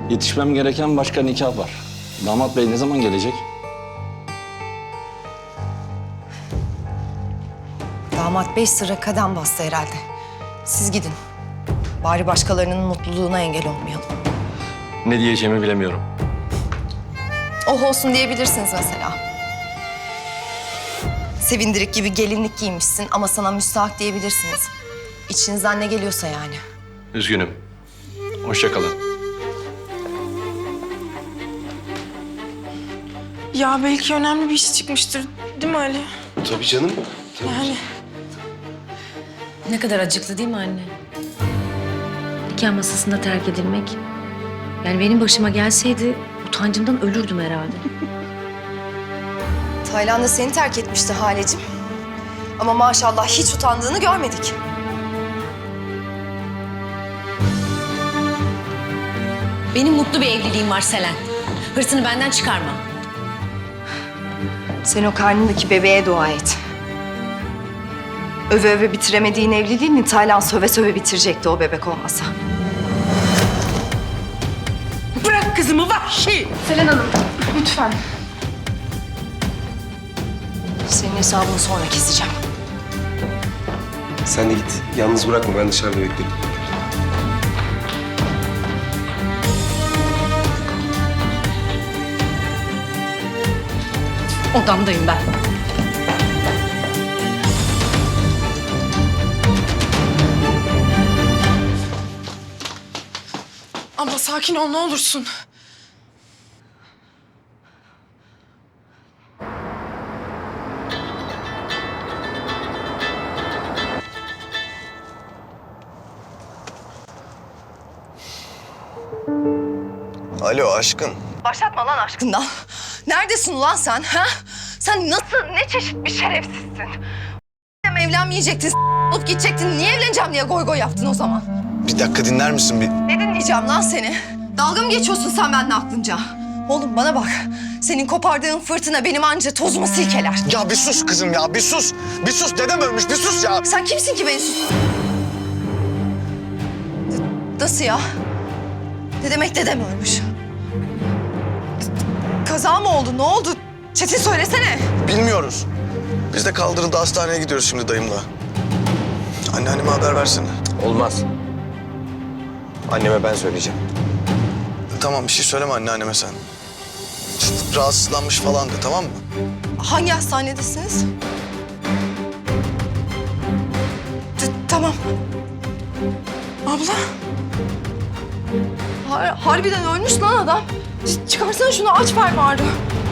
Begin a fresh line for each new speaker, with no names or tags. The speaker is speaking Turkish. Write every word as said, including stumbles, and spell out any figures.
Yetişmem gereken başka nikah var. Damat bey ne zaman gelecek?
Damat bey sıra kadem bastı herhalde. Siz gidin. Bari başkalarının mutluluğuna engel olmayalım.
Ne diyeceğimi bilemiyorum.
Oh olsun diyebilirsiniz mesela. Sevindirik gibi gelinlik giymişsin ama sana müstahak diyebilirsiniz. İçinizden ne geliyorsa yani.
Üzgünüm. Hoşça kalın.
Ya belki önemli bir iş çıkmıştır. Değil mi Ali?
Tabii canım.
Yani
Ne kadar acıklı değil mi anne? Nikah masasında terk edilmek. Yani benim başıma gelseydi utancımdan ölürdüm herhalde.
Taylan da seni terk etmişti Halecim. Ama maşallah hiç utandığını görmedik.
Benim mutlu bir evliliğim var Selen. Hırsını benden çıkarma.
Sen o karnındaki bebeğe dua et. Öve öve bitiremediğin evliliğini Taylan söve söve bitirecekti o bebek olmasa.
bırak kızımı vahşi.
Selen Hanım, lütfen. Senin hesabını sonra keseceğim.
Sen de git. Yalnız bırakma. Ben dışarıda beklerim.
Odamdayım ben.
Abla sakin ol ne olursun.
Alo aşkın.
Başlatma lan aşkından. Neredesin ulan sen ha? Sen nasıl, ne çeşit bir şerefsizsin? Evlenmeyecektin, s- olup gidecektin. Niye evleneceğim diye goy goy yaptın o zaman?
Bir dakika dinler misin bir?
Ne dinleyeceğim lan seni? Dalga mı geçiyorsun sen benimle aklınca? Oğlum bana bak. Senin kopardığın fırtına benim anca tozumu silkeler.
Ya bir sus kızım ya bir sus. Bir sus dedem ölmüş bir sus ya.
Sen kimsin ki beni sus? D- Nasıl ya? Ne demek dedem ölmüş? Kaza mı oldu? Ne oldu? Çetin söylesene.
Bilmiyoruz. Biz de kaldırıldı hastaneye gidiyoruz şimdi dayımla. Anneanneme haber versene.
Olmaz. Anneme ben söyleyeceğim.
Tamam bir şey söyleme anneanneme sen. İşte rahatsızlanmış falan de tamam mı?
Hangi hastanedesiniz? T- tamam.
Abla
Har- harbiden ölmüş lan adam. Ç- çıkarsana şunu aç fermuarı.